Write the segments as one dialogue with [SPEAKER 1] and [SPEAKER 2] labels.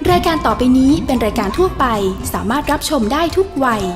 [SPEAKER 1] รายการต่อไปนี้เป็นรายการทั่วไปสามารถรับชมได้ทุกวัย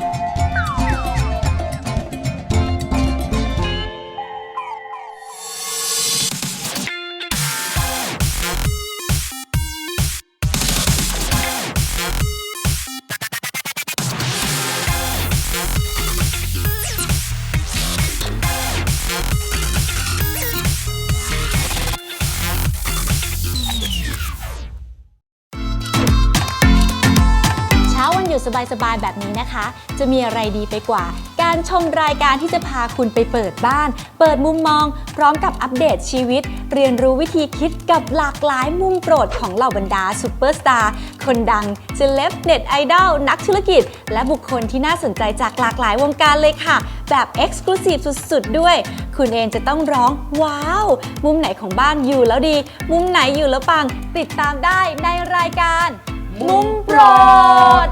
[SPEAKER 2] สบายๆแบบนี้นะคะจะมีอะไรดีไปกว่าการชมรายการที่จะพาคุณไปเปิดบ้านเปิดมุมมองพร้อมกับอัปเดตชีวิตเรียนรู้วิธีคิดกับหลากหลายมุมโปรดของเหล่าบรรดาซูเปอร์สตาร์คนดังเซเลบเน็ตไอดอลนักธุรกิจและบุคคลที่น่าสนใจจากหลากหลายวงการเลยค่ะแบบ Exclusive สุดๆด้วยคุณเองจะต้องร้องว้าวมุมไหนของบ้านอยู่แล้วดีมุมไหนอยู่แล้วปังติดตามได้ในรายการมุมโปรด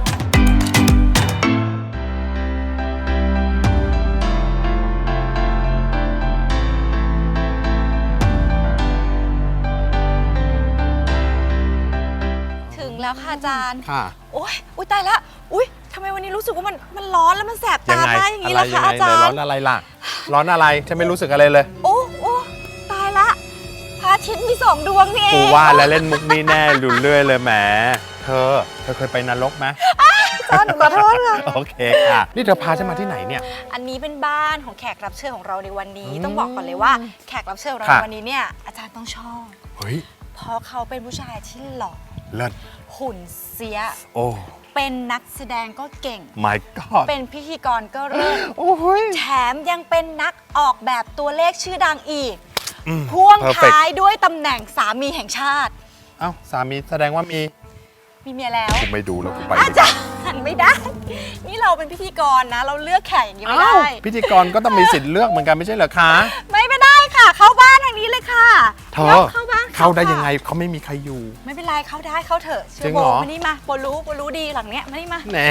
[SPEAKER 2] แล้วค่ะอาจารย์ค่ะโอ๊ยตายละอุ๊ยทำไมวันนี้รู้สึกว่ามันร้อนแล้วมันแสบตามากอย่างนี้ล่ะคะอาจารย์
[SPEAKER 3] ร้อนอะไรล่ะร้อนอะไรฉันไม่รู้สึกอะไรเลย
[SPEAKER 2] โอ้ตายละพระอาทิตย์มี2 ดวงนี่
[SPEAKER 3] กูว่าแล้วเล่นมุกนี้แน่หลุดเรื่อยเลยแหมเธอเคยไปนรกไหม
[SPEAKER 2] อาจารย์ขอโทษค่ะ
[SPEAKER 3] โอเคค่ะนี่เธอพาฉันมาที่ไหนเนี่ย
[SPEAKER 2] อันนี้เป็นบ้านของแขกรับเชิญของเราในวันนี้ต้องบอกก่อนเลยว่าแขกรับเชิญของเราในวันนี้เนี่ยอาจารย์ต้องชอบ
[SPEAKER 3] เฮ้ย
[SPEAKER 2] เพราะเขาเป็นผู้ชายที่หล่อ
[SPEAKER 3] เลิศ
[SPEAKER 2] หุ่นเสีย
[SPEAKER 3] โอ้
[SPEAKER 2] เป็นนักแสดงก็เก่ง
[SPEAKER 3] My God
[SPEAKER 2] เป็นพิธีกรก็เลิศ
[SPEAKER 3] โอ้ย
[SPEAKER 2] แถมยังเป็นนักออกแบบตัวเลขชื่อดังอีกพ่วงท้ายด้วยตำแหน่งสามีแห่งชาติ
[SPEAKER 3] เอ้าสามีแสดงว่ามี
[SPEAKER 2] เมียแล้ว
[SPEAKER 3] กูไม่ดูแล้วกูไป
[SPEAKER 2] อาจารย์ไม่ได้นี่เราเป็นพิธีกรนะเราเลือกแขกอย่างนี้ไม่ได้
[SPEAKER 3] พิธีกรก็ต้องมีสิทธิ์เลือกเหมือนกันไม่ใช่เหรอคะ
[SPEAKER 2] ไม่ได้ค่ะเข้าบ้านทางนี้เลยค่ะ
[SPEAKER 3] เธอเข้าได้ยังไงเขาไม่มีใครอยู่
[SPEAKER 2] ไม่เป็นไรเข้าได้เข้าเถอะเชื่อโบมานี่มาโบรู้ดีหลังเนี้ยมานี่มา
[SPEAKER 3] แหน่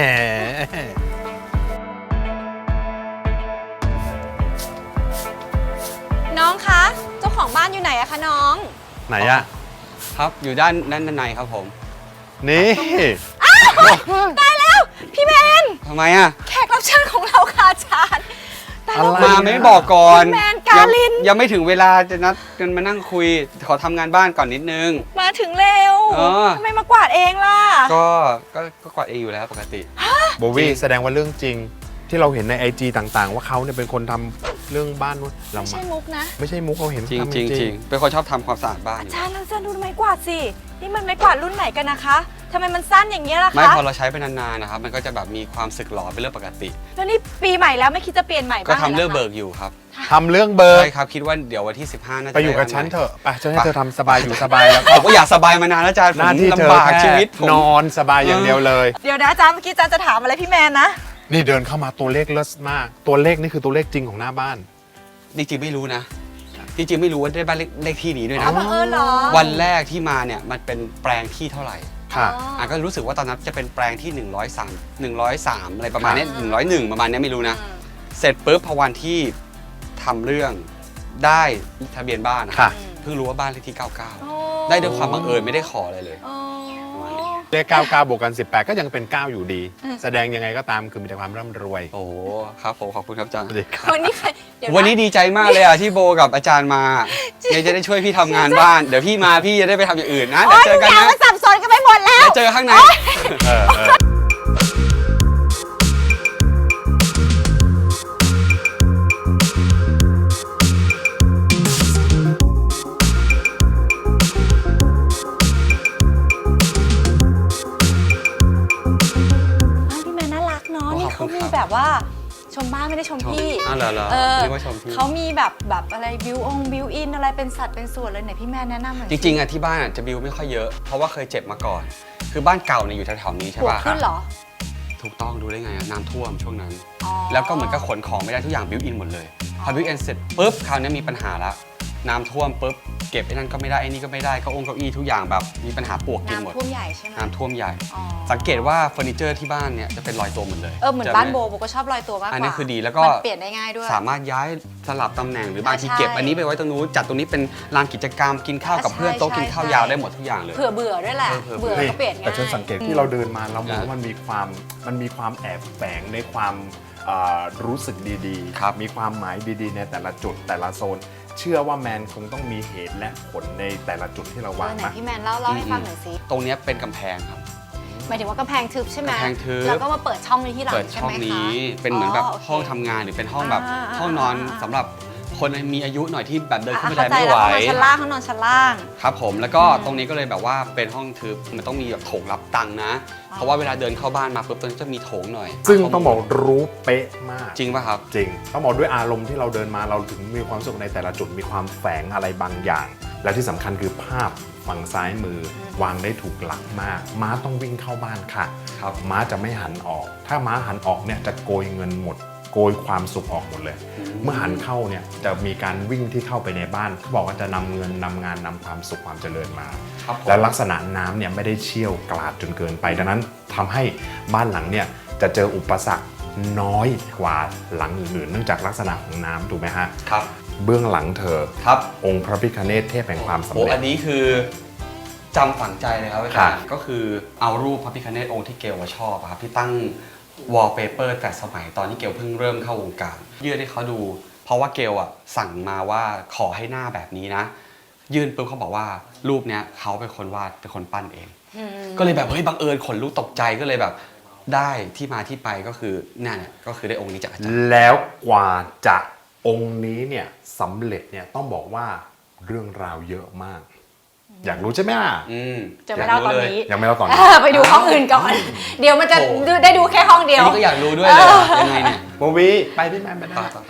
[SPEAKER 2] น้องคะเจ้าของบ้านอยู่ไหนอะคะน้อง
[SPEAKER 3] ไหนอะ
[SPEAKER 4] ครับอยู่ด้านในครับผม
[SPEAKER 3] นี่
[SPEAKER 2] ตายแล้วพี่แมน
[SPEAKER 4] ทำไมอะ
[SPEAKER 2] แขกรับเชิญของเราค่ะอาจารย์
[SPEAKER 4] มาไม่บอกก่อน
[SPEAKER 2] พี่แมนกาลิน
[SPEAKER 4] ยังไม่ถึงเวลาจะนัดกันมานั่งคุยขอทำงานบ้านก่อนนิดนึง
[SPEAKER 2] มาถึงเร็วทำไมมากวาดเองล่ะ
[SPEAKER 4] ก็กวาดเองอยู่แล้วปกติ
[SPEAKER 3] โบวี่แสดงว่าเรื่องจริงที่เราเห็นใน IG ต่างๆว่าเขาเนี่ยเป็นคนทำเรื่องบ้าน
[SPEAKER 2] เราไม่ใช่มุกนะ
[SPEAKER 3] ไม่ใช่มุกเราเห็น
[SPEAKER 4] จริงเป็นคนชอบทำความสะอาดบ้าน
[SPEAKER 2] อาจารย์ดูไม้กวาดสินี่มันไม้กวาดรุ่นไหนกันนะคะทำไมมันสั้นอย่างเงี้ยล่ะคะ
[SPEAKER 4] ไม่พอเราใช้ไปนานๆนะครับมันก็จะแบบมีความสึกหรอเป็นเรื่องปกติ
[SPEAKER 2] แล้วนี่ปีใหม่แล้วไม่คิดจะเปลี่ยนใหม่บ้าง
[SPEAKER 4] ก็ทำเรื่องเบิกอยู่ครับ
[SPEAKER 3] ทำเรื่องเบิก
[SPEAKER 4] ใช่ครับคิดว่าเดี๋ยววันที่15น่าจะ
[SPEAKER 3] ไปอยู่กับฉันเถอะไปฉันให้เธอทำสบายอยู่สบายแล้ว
[SPEAKER 4] ผมก็อยากสบายมานานแล้วอาจารย์
[SPEAKER 3] หน้าที่เธอแค่นอนสบายอย่างเดียวเลย
[SPEAKER 2] เดี๋ยวนะอาจารย์เมื่อกี้อาจารย์จะถามอะไรพี่แมนนะ
[SPEAKER 3] นี่เดินเข้ามาตัวเลขเลิศมากตัวเลขนี่คือตัวเลขจริงของหน้าบ้าน
[SPEAKER 4] จริงๆไม่รู้นะจริงๆไม่รู้ว่าได้บ้านเลขที่นี้ด้วยนะ
[SPEAKER 2] เหรอ
[SPEAKER 4] วันแรกที่มาเนี่ยมันเป็นแปลงที่เท่าไหร่
[SPEAKER 3] ค่ะ
[SPEAKER 4] ก็รู้สึกว่าตอนนั้นจะเป็นแปลงที่103อะไรประมาณนี้101ประมาณนี้ไม่รู้นะเสร็จปุ๊บพอวันที่ทำเรื่องได้ทะเบียนบ้านเพิ่งรู้ว่าบ้านเลขที่99ได้ด้วยความบังเอิญไม่ได้ขออะไรเลย
[SPEAKER 3] เลข99บวกกัน18ก็ยังเป็น9อยู่ดีแสดงยังไงก็ตามคือมีแต่ความร่ำรวย
[SPEAKER 4] โอ้ครับผมขอบคุณครับอาจารย์
[SPEAKER 2] วัน
[SPEAKER 4] นี้ดีใจมากเลยอ่ะที่โบกับอาจารย์มาจะได้ช่วยพี่ทำงานบ้านเดี๋ยวพี่มาพี่จะได้ไปทำอย่างอื่นนะเดี๋ยวเจอกันนะ
[SPEAKER 2] สับสนกันไปหมดแล้ว
[SPEAKER 4] เดี๋ยวเจอข้างใน
[SPEAKER 2] เขามีแบบว่าชมบ้านไม่ได้ชมพี่เขามีแบบอะไรบิวอินอะไรเป็นสัตว์เป็นส่วนเลยไหนพี่แม่แนะนำหน่อย
[SPEAKER 4] จริงๆอ่ะที่บ้านจะบิวไม่ค่อยเยอะเพราะว่าเคยเจ็บมาก่อนคือบ้านเก่าเนี่ยอยู่แถวๆนี้ใช่ป่ะ
[SPEAKER 2] ขึ้นเหรอ
[SPEAKER 4] ถูกต้องดูได้ไงน้ำท่วมช่วงนั้นแล้วก็เหมือนกับขนของไม่ได้ทุกอย่างบิวอินหมดเลยพอบิวอินเสร็จปุ๊บคราวนี้มีปัญหาละน้ำท่วมปุ๊บเก็บไอ้นั่นก็ไม่ได้ไอ้นี่ก็ไม่ได้เก้าอี้ทุกอย่างแบบมีปัญหาปลวกกินหมด
[SPEAKER 2] น้ำท่วมใหญ่ใช่ไหม
[SPEAKER 4] น้ำท่วมใหญ่
[SPEAKER 2] อ๋อ
[SPEAKER 4] สังเกตว่าเฟอร์นิเจอร์ที่บ้านเนี่ยจะเป็นรอยตัวหมดเลย
[SPEAKER 2] เหมือนบ้านโบก็ชอบลอยตัวมากกว่า
[SPEAKER 4] อันนี้คือดีแล้วก็
[SPEAKER 2] มันเปลี่ยนได้ง่ายด้วย
[SPEAKER 4] สามารถย้ายสลับตำแหน่งหรือบางที
[SPEAKER 2] ใช่
[SPEAKER 4] เก็บอันนี้ไปไว้ตรงนู้นจัดตรงนี้เป็นลานกิจกรรมกินข้าวกับเพื่อน
[SPEAKER 2] ใช่
[SPEAKER 4] โต๊ะกินข้าวยาวได้หมดทุกอย่างเลย
[SPEAKER 2] เผื่อเบื่อด้วยแหละ
[SPEAKER 4] เผื่อ
[SPEAKER 2] เบื่อก็เปลี่ยนง่าย
[SPEAKER 3] แต่ฉันสังเกตที่เราเดินมาเรามองว่ามันมีความแอบแฝงในความรู้สึกดี
[SPEAKER 4] ครับ
[SPEAKER 3] มีความหมายดีๆ ในแต่ละจุดแต่ละโซน เชื่อว่าแมนคงต้องมีเหตุและผลในแต่ละจุดที่เราวาง
[SPEAKER 2] ไหน
[SPEAKER 3] มา
[SPEAKER 2] พี่แมนเล่าให้ฟังหน่อยสิ
[SPEAKER 4] ตรงเนี้ยเป็นกำแพงครับ
[SPEAKER 2] หมายถึงว่ากำแพงทึบใช่ไหม
[SPEAKER 4] กำแพงทึบ
[SPEAKER 2] แล้วก็มาเปิดช่องนี้ที่หลัง
[SPEAKER 4] เปิด
[SPEAKER 2] ใช่
[SPEAKER 4] ช่อ
[SPEAKER 2] ไห
[SPEAKER 4] ง
[SPEAKER 2] มคะ
[SPEAKER 4] นี้เป็นเหมือนแบบ
[SPEAKER 2] โอเค
[SPEAKER 4] ห้องทำงานหรือเป็นห้องแบบ
[SPEAKER 2] อ่า
[SPEAKER 4] ห้องนอน
[SPEAKER 2] อ่า
[SPEAKER 4] สำหรับคนมีอายุหน่อยที่แบบเดินขึ้นบัน
[SPEAKER 2] เข้า
[SPEAKER 4] ได
[SPEAKER 2] ใจ
[SPEAKER 4] ไม่
[SPEAKER 2] แล้ว
[SPEAKER 4] ไหว
[SPEAKER 2] ห้องนอนชั้นล่างห้องนอนชั้นล่าง
[SPEAKER 4] ครับผมแล้วก็ตรงนี้ก็เลยแบบว่าเป็นห้องทึบมันต้องมีแบบโถงรับตังค์นะ เพราะว่าเวลาเดินเข้าบ้านมาปุ๊บตรงนี้จะมีโถงหน่อย
[SPEAKER 3] ซึ่งต้องบอกรู้เป๊ะมาก
[SPEAKER 4] จริงป่ะครับ
[SPEAKER 3] จริงต้องบอกด้วยอารมณ์ที่เราเดินมาเราถึงมีความสุขในแต่ละจุดมีความแฝงอะไรบางอย่าง และที่สำคัญคือภาพฝั่งซ้ายมือวางได้ถูกหลักมาก ม้าต้องวิ่งเข้าบ้านค่ะ
[SPEAKER 4] ครับ
[SPEAKER 3] ม้าจะไม่หันออก ถ้าม้าหันออกเนี่ยจะโกยเงินหมด โกยความสุขออกหมดเลย เมื่อหันเข้าเนี่ยจะมีการวิ่งที่เข้าไปในบ้านเขาบอกว่าจะนำเงินนำงานนำความสุขความเจริญมา
[SPEAKER 4] ครับผม
[SPEAKER 3] และลักษณะน้ำเนี่ยไม่ได้เชี่ยวกราดจนเกินไป ดังนั้นทำให้บ้านหลังเนี่ยจะเจออุปสรรคน้อยกว่าหลังอื่นๆ เนื่องจากลักษณะของน้ำถูกไหมฮะ
[SPEAKER 4] ครับ
[SPEAKER 3] เบื้องหลังเธอ
[SPEAKER 4] ครับ
[SPEAKER 3] องค์พระพิฆเนศเทพแห่งความสำ
[SPEAKER 4] โอ้
[SPEAKER 3] เร็
[SPEAKER 4] อั
[SPEAKER 3] จ
[SPEAKER 4] นนี้คือจำฝังใจเลยครับอา
[SPEAKER 3] ครั
[SPEAKER 4] จาร
[SPEAKER 3] บ
[SPEAKER 4] ย์ก็คือเอารูปพระพิฆเนศองค์ที่เกลว่าชอบอะครับที่ตั้งวอลเปเปอร์แต่สมัยตอนที่เกลเพิ่งเริ่มเข้าวงการยื่นให้เขาดู เพราะว่าเกลอะสั่งมาว่าขอให้หน้าแบบนี้นะ ยื่นปุ๊บเขาบอกว่ารูปเนี้ยเขาเป็นคนวาดเป็นคนปั้นเอง ก็เลยแบบเฮ้ยบังเอิญขนลุกตกใจก็เลยแบบได้ที่มาที่ไปก็คือนั่นแหละก็คือได้องค์นี้จากอาจารย์
[SPEAKER 3] แล้วกว่าจะองค์นี้เนี่ยสำเร็จเนี่ยต้องบอกว่าเรื่องราวเยอะมาก อยากรู้ใช่ไหมล่ะ
[SPEAKER 2] จะไม่เล่าตอนนี้
[SPEAKER 3] ยังไม่เล่าตอนนี้
[SPEAKER 2] ไปดูห้องอื่นก่อน เดี๋ยวมันจะ
[SPEAKER 4] โอ้
[SPEAKER 2] ได้ดูแค่ห้องเดียว
[SPEAKER 4] อันนี้ก็อยากรู้ด้วยเลยอะยังไงเนี่ย
[SPEAKER 3] โบวีไปพี่แมนไปได้
[SPEAKER 4] ไป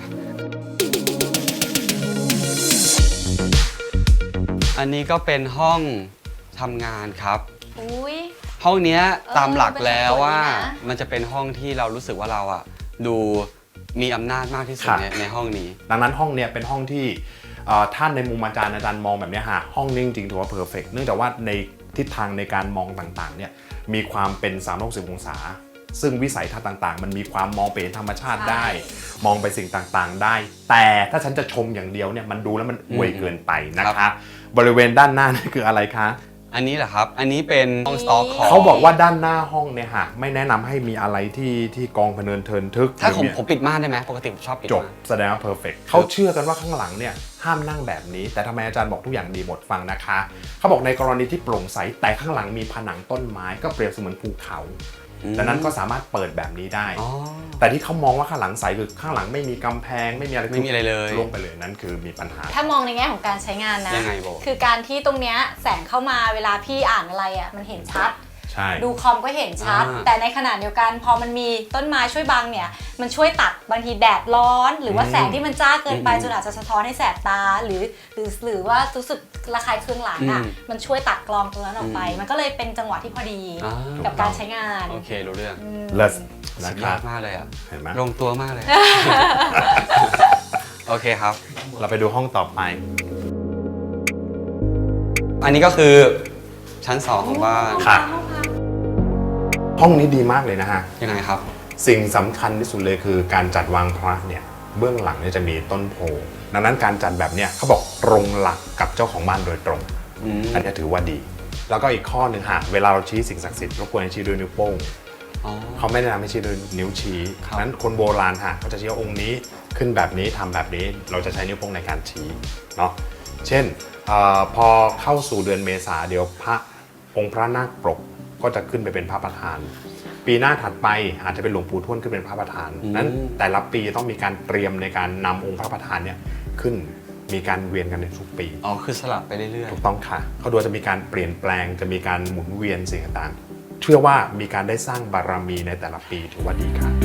[SPEAKER 4] อันนี้ก็เป็นห้องทำงานครับ
[SPEAKER 2] อุ้ย
[SPEAKER 4] ห้องเนี้ยตามหลัก
[SPEAKER 2] เป็น
[SPEAKER 4] แล้วว่า
[SPEAKER 2] สวยดีนะ
[SPEAKER 4] มันจะเป็นห้องที่เรารู้สึกว่าเราอ่ะดูมีอำนาจมากที่สุด
[SPEAKER 3] ค่ะ
[SPEAKER 4] ในห้องนี้
[SPEAKER 3] ดังนั้นห้องเนี่ยเป็นห้องที่ท่านในมุมอาจารย์มองแบบเนี้ยฮะห้องนี้จริงๆถือว่าเพอร์เฟกเนื่องจากว่าในทิศทางในการมองต่างๆเนี่ยมีความเป็น360องศา ซึ่งวิสัยทัศน์ต่างๆ มันมีความมองไปเห็นธรรมชาติได้ มองไปสิ่งต่างๆได้ แต่ถ้าฉันจะชมอย่างเดียวเนี่ยมันดูแล้วมันอวยเกินไปนะคะ บริเวณด้านหน้านี่คืออะไรคะ
[SPEAKER 4] อันนี้แหละครับ อันนี้เป็นห้องสต็อกของ
[SPEAKER 3] เขาบอกว่าด้านหน้าห้องเนี่ยฮะไม่แนะนำให้มีอะไรที่กองพะเนินเทินทึก
[SPEAKER 4] ถ้าผม
[SPEAKER 3] หรือ
[SPEAKER 4] ผมปิดม่านได้ไหมปกติผมชอบปิด
[SPEAKER 3] จบ
[SPEAKER 4] ม่าน
[SPEAKER 3] แสดงว่าเพอร์เฟกเขาเชื่อกันว่าข้างหลังเนี่ยห้ามนั่งแบบนี้ แต่ทำไมอาจารย์บอกทุกอย่างดีหมดฟังนะคะ เขาบอกในกรณีที่โปร่งใสแต่ข้างหลังมีผนังต้นไม้ก็เปรียบเสมือนภูเขาดังนั้นก็สามารถเปิดแบบนี้ได้
[SPEAKER 4] อ๋อ
[SPEAKER 3] แต่ที่เขามองว่าข้างหลังใสคือข้างหลังไม่มีกำแพงไม่มีอะไร
[SPEAKER 4] ไม่มีอะไรเลย
[SPEAKER 3] ลงไปเลยนั่นคือมีปัญหา
[SPEAKER 2] ถ้ามองในแง่ของการใช้งานนะ
[SPEAKER 4] ยังไงโบ
[SPEAKER 2] คือการที่ตรงเนี้ยแสงเข้ามาเวลาพี่อ่านอะไรอ่ะมันเห็นชัด
[SPEAKER 3] ใช่
[SPEAKER 2] ดูคอมก็เห็นชัด แต่ในขณะเดียวกันพอมันมีต้นไม้ช่วยบังเนี่ยมันช่วยตัดบางทีแดดร้อน หรือว่าแสงที่มันจ้าเกินไปจนอาจจะสะท้อนให้แสบตาหรือว่ารู้สึกระคายเคืองหลังอ่ะมันช่วยตัดกรองตรงนั้นออกไป มันก็เลยเป็นจังหวะที่พอดี
[SPEAKER 4] อ่า
[SPEAKER 2] กับการใช้งาน
[SPEAKER 4] โอเครู้เรื่อง
[SPEAKER 3] เลิศ
[SPEAKER 4] สุ
[SPEAKER 3] นะ
[SPEAKER 4] ด
[SPEAKER 3] ค
[SPEAKER 4] ย
[SPEAKER 3] รั
[SPEAKER 4] อบ ดมากเลยอ่ะ
[SPEAKER 3] เห็นไหม
[SPEAKER 4] ลงตัวมากเลย โอเคครับ
[SPEAKER 3] เราไปดูห้องต่อไป
[SPEAKER 4] อันนี้ก็คือชั้น 2 ของบ้าน
[SPEAKER 3] ค่ะ ห้องนี้ดีมากเลยนะฮะ
[SPEAKER 4] ยังไงครับ
[SPEAKER 3] สิ่งสำคัญที่สุดเลยคือการจัดวางพระเนี่ยเบื้องหลังเนี่ยจะมีต้นโพดังนั้นการจัดแบบเนี้ยเขาบอกตรงหลักกับเจ้าของบ้านโดยตรง อันนี้ถือว่าดี แล้วก็อีกข้อหนึ่งฮะเวลาเราชี้สิ่งศักดิ์สิทธิ์เราควรจะชี้ด้วยนิ้วโป้ง
[SPEAKER 4] อ๋อ
[SPEAKER 3] เขาไม่แนะนำให้ชี้ด้วยนิ้วชี้
[SPEAKER 4] ครับ
[SPEAKER 3] นั้นคนโบราณฮะเขาจะชี้ว่าองค์นี้ขึ้นแบบนี้ทำแบบนี้เราจะใช้นิ้วโป้งในการชี้เนาะเช่นพอเข้าสู่เดือนเมษาเดี๋ยวองค์พระนาคปกก็จะขึ้นไปเป็นพระประธาน ปีหน้าถัดไปอาจจะเป็นหลวงปู่ทวดขึ้นเป็นพระประธานนั้นแต่ละปีต้องมีการเตรียมในการนำองค์พระประธานเนี่ยขึ้นมีการเวียนกันในทุกปี
[SPEAKER 4] อ๋อคือสลับไปเรื่อย
[SPEAKER 3] ถูกต้องค่ะเขาดูจะมีการเปลี่ยนแปลงจะมีการหมุนเวียนสิ่งต่างๆเชื่อว่ามีการได้สร้างบารมีในแต่ละปีถือว่าดีค่ะ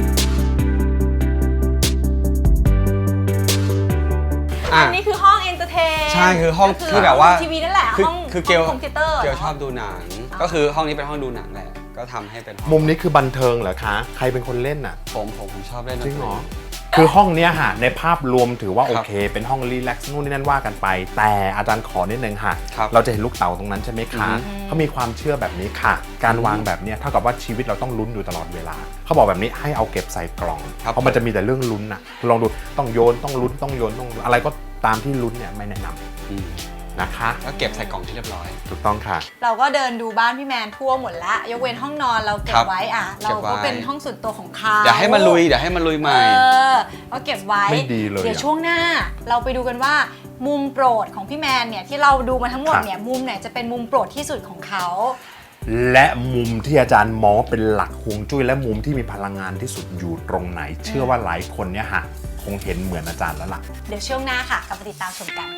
[SPEAKER 4] ๆอ่ะ
[SPEAKER 2] อันนี้คือห้องเอนเตอร์เทน
[SPEAKER 4] ใช่คือห้อง
[SPEAKER 2] ก็
[SPEAKER 4] คือแบบว่า
[SPEAKER 2] ทีวีนั่นแหละ
[SPEAKER 4] คือ
[SPEAKER 2] ห้อง
[SPEAKER 4] คือเกล
[SPEAKER 2] คอมพิวเตอร์
[SPEAKER 4] เกลชอบดูหนัง ก็คือห้องนี้เป็นห้องดูหนังแหละ ก็ทำให้เป็นห้อง
[SPEAKER 3] มุมนี้คือบันเทิงเหรอคะใครเป็นคนเล่นอ่ะ
[SPEAKER 4] ผมชอบเล่นดน
[SPEAKER 3] จริ
[SPEAKER 4] ต
[SPEAKER 3] งเหรอคือห้องเนี้ยฮะในภาพรวมถือว่าโอเค เป็นห้องรีแลกซ์นู่นนี่นั่นว่ากันไป แต่อาจารย์ขอนิดนึงค่ะ
[SPEAKER 4] ครับ
[SPEAKER 3] เราจะเห็นลูกเต๋าตรงนั้นใช่ไหมคะเขามีความเชื่อแบบนี้ค่ะ การวางแบบเนี้ยเท่ากับว่าชีวิตเราต้องลุ้นอยู่ตลอดเวลาเขาบอกแบบนี้ให้เอาเก็บใส่กล่อง
[SPEAKER 4] ครับ
[SPEAKER 3] เพราะมันจะมีแต่เรื่องลุ้นนะลองดูต้องโยนต้องลุ้นต้องโยนต้องอะไรก็ตามที่ลุ้นเนี่ยไม่แนะนำนะคะ
[SPEAKER 4] ก็เก็บใส่กล่องที่เรียบร้อย
[SPEAKER 3] ถูกต้องค่ะ
[SPEAKER 2] เราก็เดินดูบ้านพี่แมนทั่วหมดแล้วยกเว้นห้องนอนเราเก็
[SPEAKER 4] ครับ บ
[SPEAKER 2] ไว้อ่ะ
[SPEAKER 4] เก็
[SPEAKER 2] เรา
[SPEAKER 4] บไว้
[SPEAKER 2] ก็เป็นห้องส่วนตัวของเขา
[SPEAKER 4] เดี๋ยวให้มันลุยใหม่
[SPEAKER 2] ก็เก็บไว้
[SPEAKER 3] ไม่ดีเลย
[SPEAKER 2] เดี๋ยว
[SPEAKER 3] อะ
[SPEAKER 2] ช่วงหน้าเราไปดูกันว่ามุมโปรดของพี่แมนเนี่ยที่เราดูมาทั้งหมดเนี่ยมุมไหนจะเป็นมุมโปรดที่สุดของเขา
[SPEAKER 3] และมุมที่อาจารย์มองว่าเป็นหลักฮวงจุ้ยและมุมที่มีพลังงานที่สุดอยู่ตรงไหน เชื่อว่าหลายคนเนี่ยฮะคงเห็นเหมือนอาจารย์แล้วล่ะ
[SPEAKER 2] เดี๋ยวช่วงหน้าค่ะกลับมาติดตามชมกัน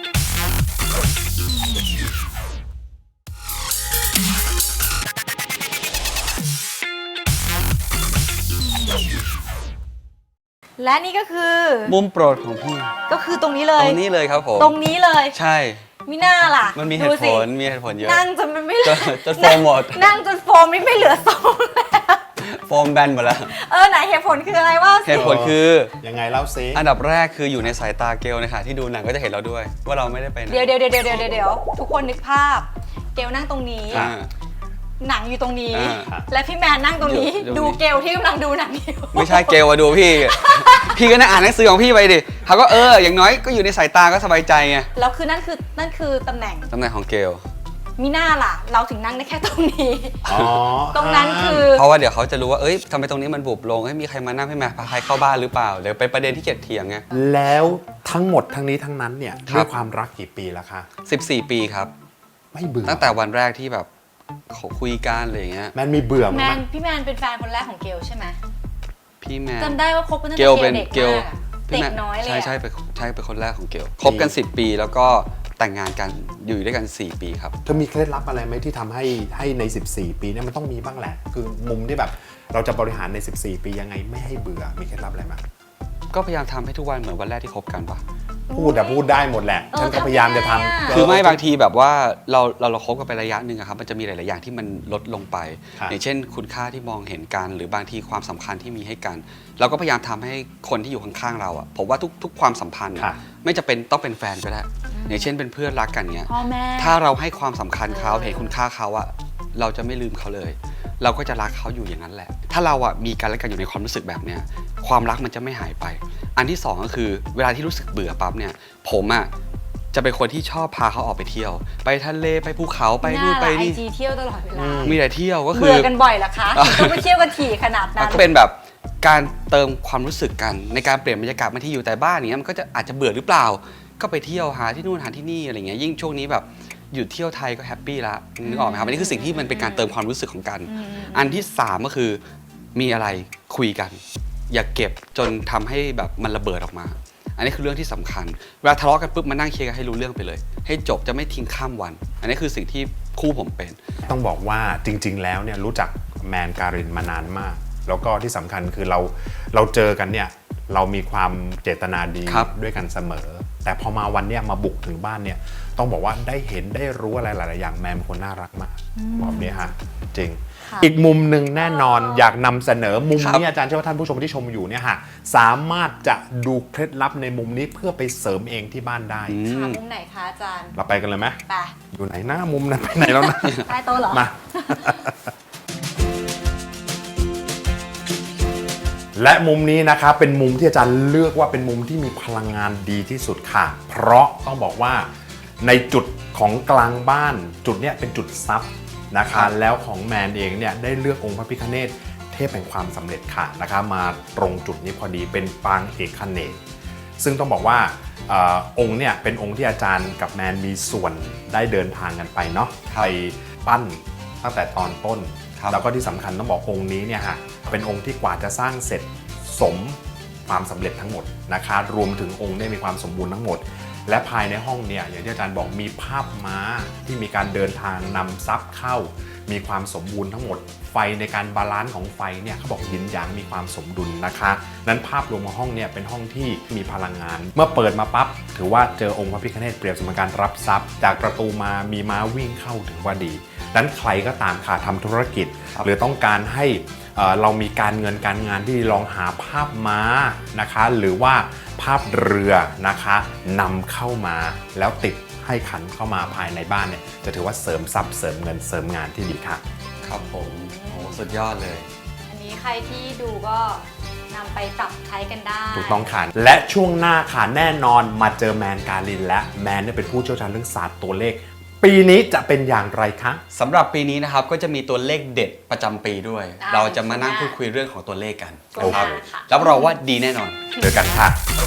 [SPEAKER 2] และนี่ก็คือ
[SPEAKER 4] ๆ มุมโปรดของพี่
[SPEAKER 2] ก็คือตรงนี้เล
[SPEAKER 4] ต
[SPEAKER 2] ย
[SPEAKER 4] รงนี้เลยครับผม
[SPEAKER 2] ตรงนี้เลย
[SPEAKER 4] ใช่
[SPEAKER 2] มิน่าล่ะ
[SPEAKER 4] มันมีเห
[SPEAKER 2] ดู
[SPEAKER 4] ตุผ
[SPEAKER 2] สิ
[SPEAKER 4] ลเยอะ
[SPEAKER 2] นั่งจนมันไม่
[SPEAKER 4] จนโฟมหมด
[SPEAKER 2] นั่งจนโฟมนี่ไม่เหลือทรงแล้ว
[SPEAKER 4] โฟมแบนหมดแล้ว
[SPEAKER 2] ไหนเหตุผลคืออะไรว่า
[SPEAKER 4] เหตุผลคือ
[SPEAKER 3] ยังไงเล่าซิ
[SPEAKER 4] อันดับแรกคืออยู่ในสายตาเกลนะคะที่ดูหนังก็จะเห็นเราด้วย ว่าเราไม่ได้ไปไหน
[SPEAKER 2] เดี๋ยวทุกคนนึกภาพ เกลนั่งตรงนี้
[SPEAKER 4] อ่า
[SPEAKER 2] หนังอยู่ตรงนี้
[SPEAKER 4] อ่า
[SPEAKER 2] และพี่แมนนั่งตรงนี้
[SPEAKER 4] อยู่
[SPEAKER 2] ดูเกลที่กำลังดูหนังอยู่
[SPEAKER 4] ไม่ใช่เกลมาดูพี่ พี่ก็นั่งอ่านหนังสือของพี่ไปดิเขาก็อย่างน้อยก็อยู่ในสายตาก็สบายใจไง
[SPEAKER 2] แล้วคือนั่นคือตำแหน่ง
[SPEAKER 4] ตำแหน่งของเกล
[SPEAKER 2] มิน่าล่ะ เราถึงนั่งได้แค่ตรงนี้
[SPEAKER 3] อ๋อ
[SPEAKER 2] ตรงนั้นคือ
[SPEAKER 4] เพราะว่าเดี๋ยวเขาจะรู้ว่าทำไมตรงนี้มันบุบลงมีใครมานั่งให้มาพาใครเข้าบ้านหรือเปล่าเดี๋ยวเป็นประเด็นที่เกียดเถียงไง
[SPEAKER 3] แล้วทั้งหมดทั้งนี้ทั้งนั้นเนี่ย
[SPEAKER 4] ครับ
[SPEAKER 3] ด้วยความรักกี่ปีแล้วคะ
[SPEAKER 4] 14 ปีครับ
[SPEAKER 3] ไม่เบื่อ
[SPEAKER 4] ตั้งแต่วันแรกที่แบบเขาคุยกันอะไรอย่างเงี้ย
[SPEAKER 3] แมนมีเบื่อมั้ย
[SPEAKER 2] พี่แมนเป็นแฟนคนแรกของเกลใช่ไหม
[SPEAKER 4] พี่แมน
[SPEAKER 2] จำได้ว่าคบกันตั้ง
[SPEAKER 4] เก
[SPEAKER 2] แต่
[SPEAKER 4] ล
[SPEAKER 2] เก
[SPEAKER 4] เป็
[SPEAKER 2] ล
[SPEAKER 4] น
[SPEAKER 2] เด็ก
[SPEAKER 4] เกล
[SPEAKER 2] มากอะเด็กน้อยเลยอะ
[SPEAKER 4] ใช่เป็นคนแรกของเกลคบกัน 10 ปีแล้วก็แต่งงานกันอยู่ด้วยกัน 4 ปีครับ
[SPEAKER 3] เธอมีเคล็ดลับอะไรไหมที่ทำให้ใน 14 ปีเนี่ยมันต้องมีบ้างแหละ คือมุมที่แบบเราจะบริหารใน 14 ปียังไงไม่ให้เบื่อมีเคล็ดลับอะไรมั้ย
[SPEAKER 4] ก็พยายามทำให้ทุกวันเหมือนวันแรกที่คบกันปะ
[SPEAKER 3] พูดได้หมดแหละ ฉันก็พยายามจะทำ
[SPEAKER 4] คือไม่บางทีแบบว่าเราคบกันไประยะหนึ่งอะครับมันจะมีหลาย ๆ อย่างที่มันลดลงไป
[SPEAKER 3] ครับ
[SPEAKER 4] อย่างเช่นคุณค่าที่มองเห็นกัน หรือบางทีความสำคัญที่มีให้กัน เราก็พยายามทำให้คนที่อยู่ข้าง ๆ เราอะผมว่าทุกความสัมพันธ์อะ
[SPEAKER 3] ค่ะ
[SPEAKER 4] ไม่จะเป็นต้องเป็นแฟนก็ได้อย่างเช่นเป็นเพื่อนรักกันเงี้ย
[SPEAKER 2] พ่อแม่
[SPEAKER 4] ถ้าเราให้ความสำคัญเขาเห็นคุณค่าเขาอะเราจะไม่ลืมเขาเลย เราก็จะรักเขาอยู่อย่างนั้นแหละ ถ้าเราอะมีกันและกันอยู่ในความรู้สึกแบบเนี้ยความรักมันจะไม่หายไป อันที่สองก็คือเวลาที่รู้สึกเบื่อปั๊บเนี่ยผมอะจะเป็นคนที่ชอบพาเขาออกไปเที่ยว ไปทะเลไปภูเขาไปนู่นไปนี่
[SPEAKER 2] ไอจีเที่ยวตลอดเวลา
[SPEAKER 4] มีแต่เที่ยวก็คือ
[SPEAKER 2] เบื่อกันบ่อยเหรอคะต้องไปเที่ยวกันถี่ขนาดนั้น
[SPEAKER 4] ก็เป็นแบบการเติมความรู้สึกกันในการเปลี่ยนบรรยากาศบางที่อยู่แต่บ้านอย่างเงี้ยมันก็จะอาจจะเบื่อหรือเปล่า ก็ไปเที่ยวหาที่นู่นหาที่นี่อะไรเงี้ยยิ่งช่วงนี้แบบหยุดเที่ยวไทยก็แฮปปี้ละนึกออกไหมครับอันนี้คือสิ่งที่มันเป็นการเติมความรู้สึกของกัน อันที่สามก็คือมีอะไรคุยกัน อย่าเก็บจนทำให้แบบมันระเบิดออกมา อันนี้คือเรื่องที่สำคัญเวลาทะเลาะกันปุ๊บมานั่งเคลียร์กันให้รู้เรื่องไปเลย ให้จบจะไม่ทิ้งข้ามวัน อันนี้คือสิ่งที่คู่ผมเป็น
[SPEAKER 3] ต้องบอกว่าจริง ๆ แล้วเนี่ยรู้จักแมนการินมานานมาก แล้วก็ที่สำคัญคือเราเจอกันเนี่ยเรามีความเจตนาดี
[SPEAKER 4] ครับ
[SPEAKER 3] ด้วยกันเสมอ แต่พอมาวันเนี้ยมาบุกถึงบ้านเนี่ยต้องบอกว่าได้เห็นได้รู้อะไรหลาย ๆ อย่างแมนเป็นคนน่ารักมากบอกนี้ฮะจริง
[SPEAKER 2] ค่ะ
[SPEAKER 3] อีกมุมหนึ่งแน่นอนอยากนำเสนอมุม
[SPEAKER 4] ครับ
[SPEAKER 3] นี้อาจารย์เชื่อว่าท่านผู้ชมที่ชมอยู่เนี่ยฮะสามารถจะดูเคล็ดลับในมุมนี้เพื่อไปเสริมเองที่บ้านได้
[SPEAKER 2] ค่ะมุมไหนคะอาจารย์
[SPEAKER 3] เราไปกันเลยไหม
[SPEAKER 2] ไป
[SPEAKER 3] อยู่ไหนหน้ามุมนั้นไปไหนแล้วนะ
[SPEAKER 2] ใต้โต๊ะเหรอ
[SPEAKER 3] มา และมุมนี้นะครับเป็นมุมที่อาจารย์เลือกว่าเป็นมุมที่มีพลังงานดีที่สุดค่ะ เพราะต้องบอกว่าในจุดของกลางบ้านจุดเนี้ยเป็นจุดซับนะคะแล้วของแมนเองเนี่ยได้เลือกองค์พระพิฆเนศเทพแห่งความสำเร็จค่ะนะคะมาตรงจุดนี้พอดีเป็นปางเอกเนศซึ่งต้องบอกว่าองค์เนี่ยเป็นองค์ที่อาจารย์กับแมนมีส่วนได้เดินทางกันไปเนาะไปปั้นตั้งแต่ตอนต้น แล้วก็ที่สำคัญต้องบอกองค์นี้เนี่ยฮะเป็นองค์ที่กว่าจะสร้างเสร็จสมความสำเร็จทั้งหมดนะคะรวมถึงองค์เนี่ยมีความสมบูรณ์ทั้งหมด และภายในห้องเนี่ยอย่างที่อาจารย์บอกมีภาพม้าที่มีการเดินทางนำทรัพย์เข้า มีความสมบูรณ์ทั้งหมด ไฟในการบาลานซ์ของไฟเนี่ยเขาบอกยินหยางมีความสมดุลนะคะนั้นภาพรวมของห้องเนี่ยเป็นห้องที่มีพลังงาน เมื่อเปิดมาปั๊บถือว่าเจอองค์พระพิฆเนศเปรียบเสมือนการรับทรัพย์จากประตูมามีม้าวิ่งเข้าถึงว่าดีนั้นใครก็ตามค่ะทำธุรกิจ หรือต้องการให้เรามีการเงินการงานที่ลองหาภาพม้านะคะหรือว่าภาพเรือนะคะนำเข้ามาแล้วติดให้ขันเข้ามาภายในบ้านเนี่ยจะถือว่าเสริมทรัพย์เสริมเงินเสริมงานที่ดีค่ะ
[SPEAKER 4] ครับผมโอ้สุดยอดเลย
[SPEAKER 2] อันนี้ใครที่ดูก็นำไปปรับใช้กันได้
[SPEAKER 3] ถูกต้องค่ะและช่วงหน้าค่ะแน่นอนมาเจอแมนการินและแมนเนี่ยเป็นผู้เชี่ยวชาญเรื่องศาสตร์ตัวเลขปีนี้จะเป็นอย่างไรคะ
[SPEAKER 4] สำหรับปีนี้นะครับก็จะมีตัวเลขเด็ดประจำปีด้วย
[SPEAKER 2] ได้
[SPEAKER 4] เราจะมานั่งพูดคุยเรื่องของตัวเลขกัน
[SPEAKER 2] โอเค
[SPEAKER 4] นะครับ
[SPEAKER 2] ค่ะ
[SPEAKER 4] รับรองว่าดีแน่นอน
[SPEAKER 3] เจอกันค่ะ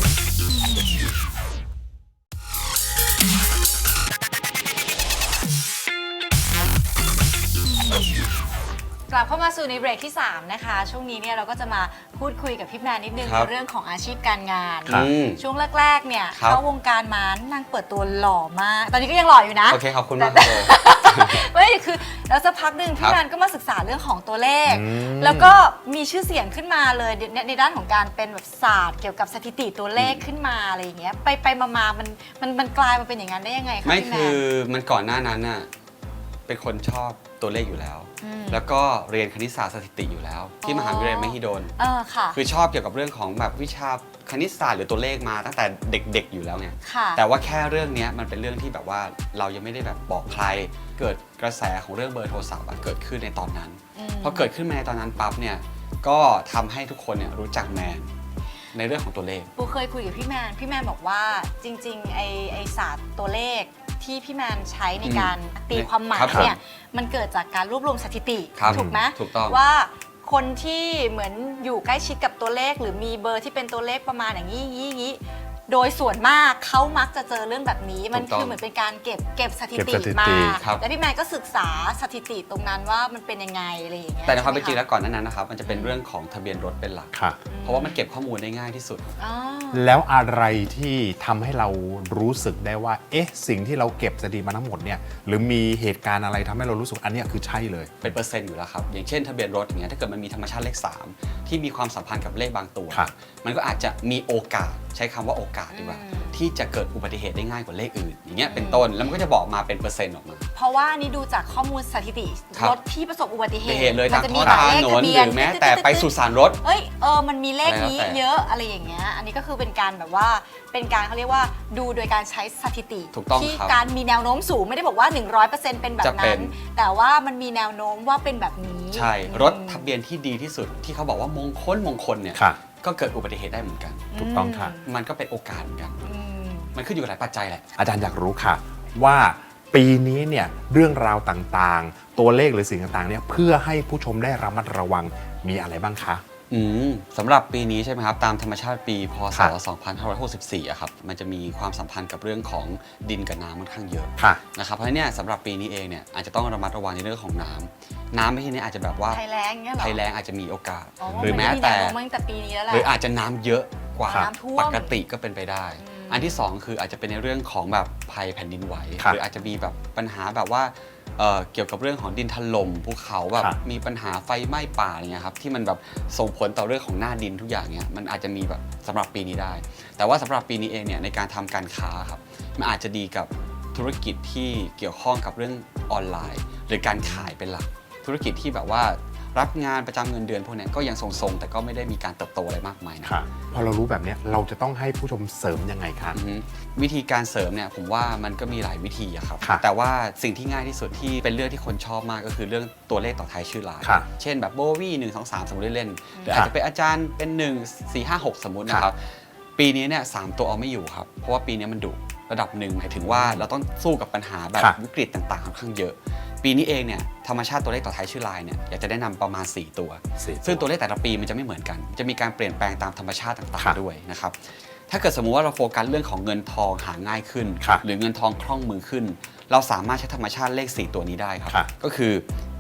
[SPEAKER 2] กลับเข้ามาสู่ในเบรกที่ 3 นะคะ ช่วงนี้เนี่ยเราก็จะมาพูดคุยกับพี่แมนนิดนึง
[SPEAKER 4] ครับ
[SPEAKER 2] ในเรื่องของอาชีพการงาน
[SPEAKER 3] ครับ
[SPEAKER 2] ช่วงแรกๆเนี่ย
[SPEAKER 4] ครับ
[SPEAKER 2] เข้าวงการมานางเปิดตัวหล่อมาก ตอนนี้ก็ยังหล่ออยู่นะ
[SPEAKER 4] โอเคขอบคุณมากครับผม
[SPEAKER 2] ไม่คือแล้วสักพักหนึ่ง
[SPEAKER 4] ครั
[SPEAKER 2] พี่
[SPEAKER 4] บ
[SPEAKER 2] แมนก็มาศึกษาเรื่องของตัวเลข
[SPEAKER 3] อืม
[SPEAKER 2] แล้วก็มีชื่อเสียงขึ้นมาเลยในด้านของการเป็นแบบศาสตร์เกี่ยวกับสถิติตัวเลขขึ้นมาอะไรอย่างเงี้ยไปมามันกลายมาเป็นอย่างนั้นได้ยังไงคะ
[SPEAKER 4] ไม่
[SPEAKER 2] พี่แม
[SPEAKER 4] คื
[SPEAKER 2] น
[SPEAKER 4] อมันก่อนหน้านั้นน่ะเป็นคนชอบตัวเลขอยู่แล้ว
[SPEAKER 2] ม
[SPEAKER 4] แล้วก็เรียนคณิตศาสตร์สถิติอยู่แล้ว ที่มหาวิทยาลัยมหิดล
[SPEAKER 2] ค่ะ
[SPEAKER 4] คือชอบเกี่ยวกับเรื่องของแบบวิชาคณิตศาสตร์หรือตัวเลขมาตั้งแต่เด็กๆอยู่แล้วไง
[SPEAKER 2] ค่ะ
[SPEAKER 4] แต่ว่าแค่เรื่องเนี้ยมันเป็นเรื่องที่แบบว่าเรายังไม่ได้แบบบอกใคร เกิดกระแสของเรื่องเบอร์โทรศัพท์อะเกิดขึ้นในตอนนั้น
[SPEAKER 2] ม
[SPEAKER 4] พอเกิดขึ้นมาในตอนนั้นปั๊บเนี่ยก็ทำให้ทุกคนเนี่ยรู้จักแมนในเรื่องของตัวเลข
[SPEAKER 2] ปูเคยคุยกับพี่แมนบอกว่าจริงๆไอศาสตร์ตัวเลขที่พี่แมนใช้ในการตีความหมาย
[SPEAKER 4] ครับ
[SPEAKER 2] เนี่ยมันเกิดจากการรวบรวมสถิติ
[SPEAKER 4] ครับ
[SPEAKER 2] ถูกไหม
[SPEAKER 4] ถูกต้อง
[SPEAKER 2] ว่าคนที่เหมือนอยู่ใกล้ชิดกับตัวเลข หรือมีเบอร์ที่เป็นตัวเลขประมาณอย่างนี้โดยส่วนมากเขามักจะเจอเรื่องแบบนี้มัน
[SPEAKER 4] ถูกต้อง
[SPEAKER 2] คือเหมือนเป็นการเก็บสถิ
[SPEAKER 3] เก็บ
[SPEAKER 2] ติ
[SPEAKER 3] สถิติ
[SPEAKER 2] มา
[SPEAKER 4] ครับ
[SPEAKER 2] แล้วพี่แมนก็ศึกษาสถิติตรงนั้นว่ามันเป็นยังไงอะไรอย่างเงี้ย
[SPEAKER 4] แต่ในความเป็นจริง
[SPEAKER 2] ใช่ไห
[SPEAKER 4] แล้วก่อนหนานั้นนะครับมันจะเป็นเรื่องของทะเบียนรถเป็นหลัก
[SPEAKER 3] ค่ะ
[SPEAKER 4] เพราะว่ามันเก็บข้อมูลได้ง่ายที่สุด
[SPEAKER 2] อ๋อ
[SPEAKER 3] แล้วอะไรที่ทำให้เรารู้สึกได้ว่าเอ๊ะสิ่งที่เราเก็บสถิติมาทั้งหมดเนี่ยหรือมีเหตุการณ์อะไรทำให้เรารู้สึกอันเนี้ยคือใช่เลย
[SPEAKER 4] เป็นเปอร์เซ็นต์อยู่แล้วครับ อย่างเช่นทะเบียนรถอย่างเงี้ยถ้าเกิดมันมีธรรมชาติเลข 3 ที่มีความสัมพันธ์กับเลขบางตัว
[SPEAKER 3] ครับ
[SPEAKER 4] มันก็อาจจะมีโอกาสใช้คำว่าโอกาสดีกว่า ที่จะเกิดอุบัติเหตุได้ง่ายกว่าเลขอื่น อย่างเงี้ยเป็นต้นแล้วมันก็จะบอกมาเป็นเปอร์เซ็นต์ออกมา
[SPEAKER 2] เพราะว่านี่ดูจากข้อมูลสถิติ
[SPEAKER 4] ครับ
[SPEAKER 2] รถที่ประสบอุบัติเห
[SPEAKER 4] อุบัติ
[SPEAKER 2] ตุ
[SPEAKER 4] เหตุเลย
[SPEAKER 2] มั
[SPEAKER 4] ทาง
[SPEAKER 2] จะ
[SPEAKER 4] ท้
[SPEAKER 2] มี
[SPEAKER 4] อง
[SPEAKER 2] หมาย
[SPEAKER 4] ถ
[SPEAKER 2] เลข
[SPEAKER 4] น
[SPEAKER 2] ทะ
[SPEAKER 4] น
[SPEAKER 2] เบี
[SPEAKER 4] ห
[SPEAKER 2] ยน
[SPEAKER 4] รือแม้แต่ไปสุสานรถ
[SPEAKER 2] เอ้ยมันมีเลขนี้
[SPEAKER 4] อะไรแล้วแต่
[SPEAKER 2] เยอะอะไรอย่างเงี้ยอันนี้ก็คือเป็นการแบบว่าเป็นการเขาเรียกว่าดูโดยการใช้สถิติ
[SPEAKER 4] ถูกต้อง
[SPEAKER 2] ที่
[SPEAKER 4] ครับ
[SPEAKER 2] การมีแนวโน้มสูงไม่ได้บอกว่า 100%เป็นแบบ
[SPEAKER 4] จะเป็
[SPEAKER 2] นั้น
[SPEAKER 4] น
[SPEAKER 2] แต่ว่ามันมีแนวโน้มว่าเป็นแบบนี้
[SPEAKER 4] ใช่รถทะเบียนที่ดีที่สุดที่เขาบอกว่ามงคลเนี่ย
[SPEAKER 3] ค่ะ
[SPEAKER 4] ก็เกิดอุบัติเหตุได้เหมือนกัน
[SPEAKER 3] ถูกต้องค่ะ
[SPEAKER 4] มันก็เป็นโอกาสเหมือนกัน
[SPEAKER 2] อืม
[SPEAKER 4] มันขึ้นอยู่กับหลายปัจจัยแหละ
[SPEAKER 3] อาจารย์อยากรู้ค่ะว่าปีนี้เนี่ยเรื่องราวต่างๆ ตัวเลขหรือสิ่งต่างๆเนี่ยเพื่อให้ผู้ชมได้ระมัดระวังมีอะไรบ้างคะ
[SPEAKER 4] สำหรับปีนี้ใช่ไหมครับ ตามธรรมชาติปีพศ
[SPEAKER 3] ค่ะ
[SPEAKER 4] 2564อะครับมันจะมีความสัมพันธ์กับเรื่องของดินกับน้ำค่อนข้างเยอะ
[SPEAKER 3] ค่ะ
[SPEAKER 4] นะครับเพราะฉะนั้นเนี่ยสำหรับปีนี้เองเนี่ยอาจจะต้องระมัดระวังในเรื่องของน้ำไม่ใช่เนี่ยอาจจะแบบว่า
[SPEAKER 2] ภัยแล้งเงี้ยเหรอ
[SPEAKER 4] ภัยแล้งอาจจะมีโอกาส
[SPEAKER 2] อ๋อ
[SPEAKER 4] หรือแม้แต่
[SPEAKER 2] นมีนวโน้มาตั้งแต่ปีนี้แล้วแหละ
[SPEAKER 4] หรืออาจจะน้ำเยอะกว่า
[SPEAKER 2] น้ำท่วม
[SPEAKER 4] ปกติก็เป็นไปได้ อันที่ 2 คืออาจจะเป็นในเรื่องของแบบภัยแผ่นดินไหว
[SPEAKER 3] ครับ
[SPEAKER 4] หรืออาจจะมีแบบปัญหาแบบว่าเกี่ยวกับเรื่องของดินถล่มภูเขาแบบ
[SPEAKER 3] ครับ
[SPEAKER 4] มีปัญหาไฟไหม้ป่าอะไรเงี้ยครับที่มันแบบส่งผลต่อเรื่องของหน้าดินทุกอย่างเนี้ยมันอาจจะมีแบบสำหรับปีนี้ได้ แต่ว่าสำหรับปีนี้เองเนี่ยในการทำการค้าครับมันอาจจะดีกับธุรกิจที่เกี่ยวข้องกับเรื่องออนไลน์ หรือการขายเป็นหลัก ธุรกิจที่แบบว่ารับงานประจำเงินเดือนพวกเนี้ยก็ยังทรงๆ แต่ก็ไม่ได้มีการเติบโตอะไรมากมายนะ
[SPEAKER 3] ค่ะพอเรารู้แบบเนี้ยเราจะต้องให้ผู้ชมเสริมยังไงคะ
[SPEAKER 4] อือฮึวิธีการเสริมเนี่ยผมว่ามันก็มีหลายวิธีอะครับ
[SPEAKER 3] ครับ
[SPEAKER 4] แต่ว่าสิ่งที่ง่ายที่สุดที่เป็นเรื่องที่คนชอบมากก็คือเรื่องตัวเลขต่อท้ายชื่อราย
[SPEAKER 3] ครับ
[SPEAKER 4] เช่นแบบโบวี่1 2 3 สมมติเล่นๆหรือ
[SPEAKER 3] ครั
[SPEAKER 4] อา
[SPEAKER 3] บ
[SPEAKER 4] จจะเป็นอาจารย์เป็น 1 4 5 6 สมมตินะครับ ปีนี้เนี่ย3ตัวเอาไม่อยู่ครับ เพราะว่าปีนี้มันดุระดับหนึ่งหมายถึงว่าเราต้องสู้กับปัญหาแบบ
[SPEAKER 3] ครับ
[SPEAKER 4] วิกฤตต่างๆค่อนข้างเยอะ ปีนี้เองเนี่ยธรรมชาติตัวเลขต่อท้ายชื่อรายเนี่ยอยากจะแนะนำประมาณ 4 ตัว ซึ่งตัวเลขแต่ละปีมันจะไม่เหมือนกัน จะมีการเปลี่ยนแปลงตามธรรมชาติต่าง
[SPEAKER 3] ครับ
[SPEAKER 4] ๆด้วยนะครับ ถ้าเกิดสมมุติว่าเราโฟกัสเรื่องของเงินทองหาง่ายขึ้น
[SPEAKER 3] ครับ
[SPEAKER 4] หรือเงินทองคล่องมือขึ้น เราสามารถใช้ธรรมชาติเลข 4 ตัวนี้ได้ครับ
[SPEAKER 3] ครับ
[SPEAKER 4] ก็คือ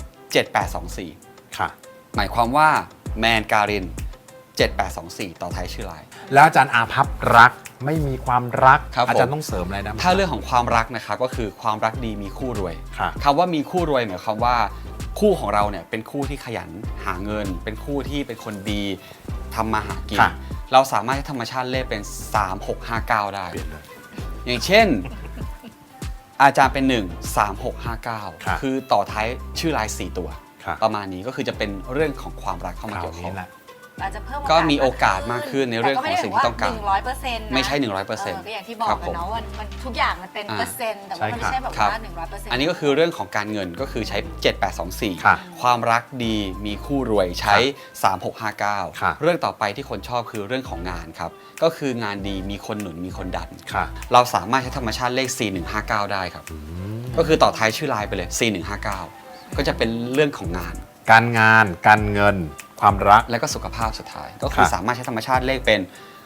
[SPEAKER 4] 7824
[SPEAKER 3] ค่ะ
[SPEAKER 4] หมายความว่าแมนการิน 7824 ต่อท้ายชื่อราย
[SPEAKER 3] แล้วอาจารย์อาภัพรักไม่มีความรัก
[SPEAKER 4] ครับ
[SPEAKER 3] อาจารย์
[SPEAKER 4] ผม
[SPEAKER 3] ต้องเสริมอะไรนะ
[SPEAKER 4] ถ้าเรื่องของความรักนะครับก็คือความรักดีมีคู่รวย
[SPEAKER 3] ค่ะ
[SPEAKER 4] คำว่ามีคู่รวยหมายความว่าคู่ของเราเนี่ยเป็นคู่ที่ขยันหาเงิน เป็นคู่ที่เป็นคนดีทำมาหากิน
[SPEAKER 3] ค่ะ
[SPEAKER 4] เราสามารถใช้ธรรมชาติเลขเป็น 3659 ได้
[SPEAKER 3] เปลี่ยนเลย
[SPEAKER 4] อย่างเช่นอาจารย์เป็น
[SPEAKER 3] ครับ
[SPEAKER 4] 13659 คือต่อท้ายชื่อลาย 4 ตัว
[SPEAKER 3] ครับ
[SPEAKER 4] ประมาณนี้ก็คือจะเป็นเรื่องของความรักเข้ามา
[SPEAKER 3] ครา
[SPEAKER 4] เกี่
[SPEAKER 3] ว
[SPEAKER 4] ยวข้
[SPEAKER 3] นี้
[SPEAKER 4] อง
[SPEAKER 3] แหละ
[SPEAKER 2] อาจจะเพิ่ม
[SPEAKER 4] ก็มีโอกาสมากขึ้นในเรื่องของสิ่งที่ต้องการ
[SPEAKER 2] แต่ไม่ได้แบบว่า100%นะ
[SPEAKER 4] ไม่ใช่ 100%
[SPEAKER 2] ก็อย่างที่บอกกันเนาะว่ามันทุกอย่างมันเป็นเปอร์เซ็นต์แต่ว่ามันไม่ใช่แบบ
[SPEAKER 4] ครับ
[SPEAKER 2] ว่า100%
[SPEAKER 4] อันนี้ก็คือเรื่องของการเงินก็คือใช้
[SPEAKER 3] ค่ะ
[SPEAKER 4] 7824 ความรักดีมีคู่รวยใช้
[SPEAKER 3] ค่ะ
[SPEAKER 4] 3659 เรื่องต่อไปที่คนชอบคือเรื่องของงานครับ ก็คืองานดีมีคนหนุนมีคนดัน
[SPEAKER 3] ค่ะ
[SPEAKER 4] เราสามารถใช้ธรรมชาติเลข 4159 ได้ครับ ก็คือต่อท้ายชื่อไลน์ไปเลย 4159 ก็จะเป็นเรื่องของงาน
[SPEAKER 3] การงานการเงินความรัก
[SPEAKER 4] และก็สุขภาพสุดท้าย ก็คือ
[SPEAKER 3] ครับ
[SPEAKER 4] สามารถใช้ธรรมชาติเลขเป็น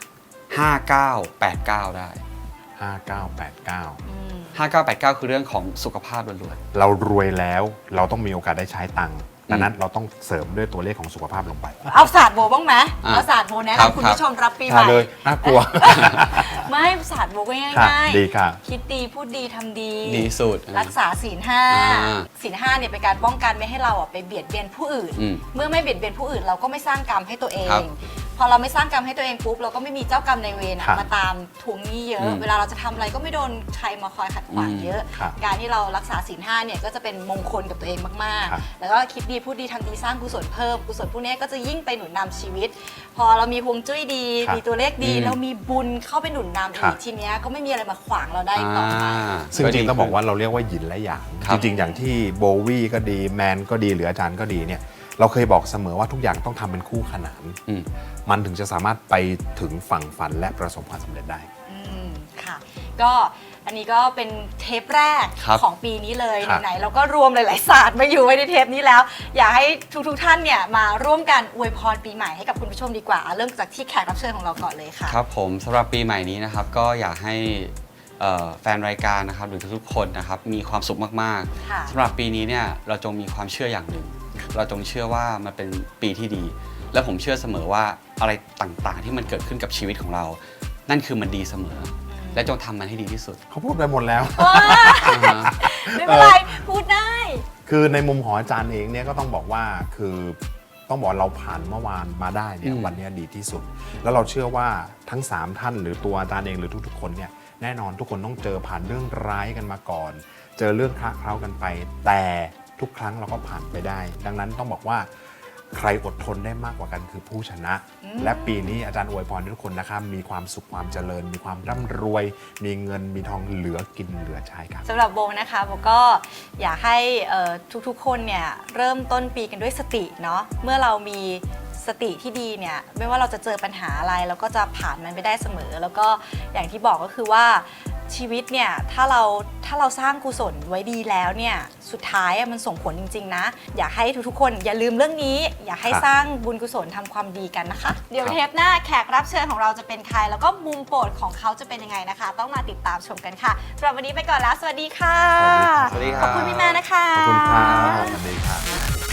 [SPEAKER 4] 5989 ได้
[SPEAKER 3] 5989
[SPEAKER 4] 5989 คือเรื่องของสุขภาพล้วน
[SPEAKER 3] เรารวยแล้วเราต้องมีโอกาสได้ใช้ตังค์ดังนั้นเราต้องเสริมด้วยตัวเลขของสุขภาพลงไป
[SPEAKER 2] เอาศาสตร์โบบ้างไหม
[SPEAKER 4] อ่ะ
[SPEAKER 2] เอาศาสตร์โบแนะครับ คุณผู้ชมรับปีให
[SPEAKER 3] ใช่
[SPEAKER 2] ม่
[SPEAKER 3] เลยน่ากลัว
[SPEAKER 2] ไม่ศาสตร์โบก็ง่
[SPEAKER 3] ค่ะ
[SPEAKER 2] าย
[SPEAKER 3] ดีค่ะ
[SPEAKER 2] คิดดีพูดดีทำดี
[SPEAKER 4] ดีสุด
[SPEAKER 2] รักษาศีลห้า
[SPEAKER 4] อ่า
[SPEAKER 2] ศีลห้าเนี่ยเป็นการป้องกันไม่ให้เราอ่ะไปเบียดเบียนผู้อื่น
[SPEAKER 4] อืม
[SPEAKER 2] เมื่อไม่เบียดเบียนผู้อื่นเราก็ไม่สร้างกรรมให้ตัวเอ
[SPEAKER 4] ครั
[SPEAKER 2] ง
[SPEAKER 4] บ
[SPEAKER 2] พอเราไม่สร้างกรรมให้ตัวเองปุ๊บเราก็ไม่มีเจ้ากรรมในายเวรอะ
[SPEAKER 3] ครับ
[SPEAKER 2] มาตามทวงหนี้เยอะ
[SPEAKER 4] อืม
[SPEAKER 2] เวลาเราจะทำอะไรก็ไม่โดนใครมาคอยขัดขวาง
[SPEAKER 4] อืม
[SPEAKER 2] เยอะ
[SPEAKER 3] ครับ
[SPEAKER 2] การที่เรารักษาศีลห้าเนี่ยก็จะเป็นมงคลกับตัวเองมาก
[SPEAKER 3] ครับ
[SPEAKER 2] ๆ แล้วก็คิดดีพูดดีทำดีสร้างกุศลเพิ่มกุศลพวกนี้ก็จะยิ่งไปหนุนนำชีวิต พอเรามีฮวงจุ้ยดี
[SPEAKER 3] ครับ
[SPEAKER 2] มีตัวเลขดี
[SPEAKER 4] อืม
[SPEAKER 2] เรามีบุญเข้าไปหนุนนำ
[SPEAKER 3] ครั
[SPEAKER 2] อี
[SPEAKER 3] บ
[SPEAKER 2] กทีเนี้ยก็ไม่มีอะไรมาขวางเราได้อีกต่อไป
[SPEAKER 3] ซึ่งจริงๆต้องบอกว่าเราเรียกว่าหยินและหยาง
[SPEAKER 4] ครับ
[SPEAKER 3] จริงๆ อย่างที่โบวี่ก็ดีแมนก็ดีหรืออาจารย์ก็ดีเนี่ยเราเคยบอกเสมอว่าทุกอย่างต้องทำเป็นคู่ขนาน
[SPEAKER 4] อืม
[SPEAKER 3] มันถึงจะสามารถไปถึงฝั่งฝันและประสบความสำเร็จได้
[SPEAKER 2] อืมค่ะ ก็อันนี้ก็เป็นเทปแรก
[SPEAKER 4] ครับ
[SPEAKER 2] ของปีนี้เลย
[SPEAKER 3] ครับ
[SPEAKER 2] ไหนๆเราก็รวมหลายๆศาสตร์มาอยู่ไว้ในเทปนี้แล้ว อยากให้ทุกๆท่านเนี่ยมาร่วมกันอวยพรปีใหม่ให้กับคุณผู้ชมดีกว่า เริ่มจากที่แขกรับเชิญของเราก่อนเลยค่ะ
[SPEAKER 4] ครับผมสำหรับปีใหม่นี้นะครับก็อยากให้แฟนรายการนะครับหรือทุกๆคนนะครับมีความสุขมาก
[SPEAKER 2] ค่ะ
[SPEAKER 4] ๆสำหรับปีนี้เนี่ยเราจงมีความเชื่ออย่างหนึ่ง เราจงเชื่อว่ามันเป็นปีที่ดี และผมเชื่อเสมอว่าอะไรต่างๆ ที่มันเกิดขึ้นกับชีวิตของเรา นั่นคือมันดีเสมอ และจงทำมันให้ดีที่สุด
[SPEAKER 3] เขาพูดไปหมดแล้ว
[SPEAKER 2] ไม่เป็นไร พูดได้
[SPEAKER 3] คือในมุมของอาจารย์เองเนี่ยก็ต้องบอกว่าคือต้องบอกเราผ่านเมื่อวานมาได้เนี่ย
[SPEAKER 4] อืม
[SPEAKER 3] วันนี้ดีที่สุด แล้วเราเชื่อว่าทั้ง 3 ท่านหรือตัวอาจารย์เองหรือทุกๆคนเนี่ยแน่นอนทุกคนต้องเจอผ่านเรื่องร้ายกันมาก่อน เจอเรื่องคละเคล้ากันไป แต่ทุกครั้งเราก็ผ่านไปได้ ดังนั้นต้องบอกว่าใครอดทนได้มากกว่ากันคือผู้ชนะ และปีนี้อาจารย์อวยพรให้ทุกคนนะครับมีความสุขความเจริญ มีความร่ำรวย มีเงินมีทองเหลือกินเหลือใช้ครับ
[SPEAKER 2] สำหรับโบนะคะโบก็อยากให้ทุกๆคนเนี่ยเริ่มต้นปีกันด้วยสติเนาะเมื่อเรามีสติที่ดีเนี่ยไม่ว่าเราจะเจอปัญหาอะไรเราก็จะผ่านมันไปได้เสมอ แล้วก็อย่างที่บอกก็คือว่าชีวิตเนี่ยถ้าเราสร้างกุศลไว้ดีแล้วเนี่ยสุดท้ายอะมันส่งผลจริงๆนะอยากให้ทุกๆคนอย่าลืมเรื่องนี้ อยากให้
[SPEAKER 3] ครับ
[SPEAKER 2] สร้างบุญกุศลทำความดีกันนะคะ เดี๋ยว
[SPEAKER 4] ครับ
[SPEAKER 2] เทปหน้าแขกรับเชิญของเราจะเป็นใคร แล้วก็มุมโปรดของเขาจะเป็นยังไงนะคะ ต้องมาติดตามชมกันค่ะสำหรับวันนี้ไปก่อนแล้วสวัสดีค่ะ
[SPEAKER 3] สวัสดี
[SPEAKER 4] สวัสดีค
[SPEAKER 2] ข
[SPEAKER 4] รั
[SPEAKER 2] อบคุณพี่แม่นะคะ
[SPEAKER 3] ขอบคุณครับสวัสดีครับ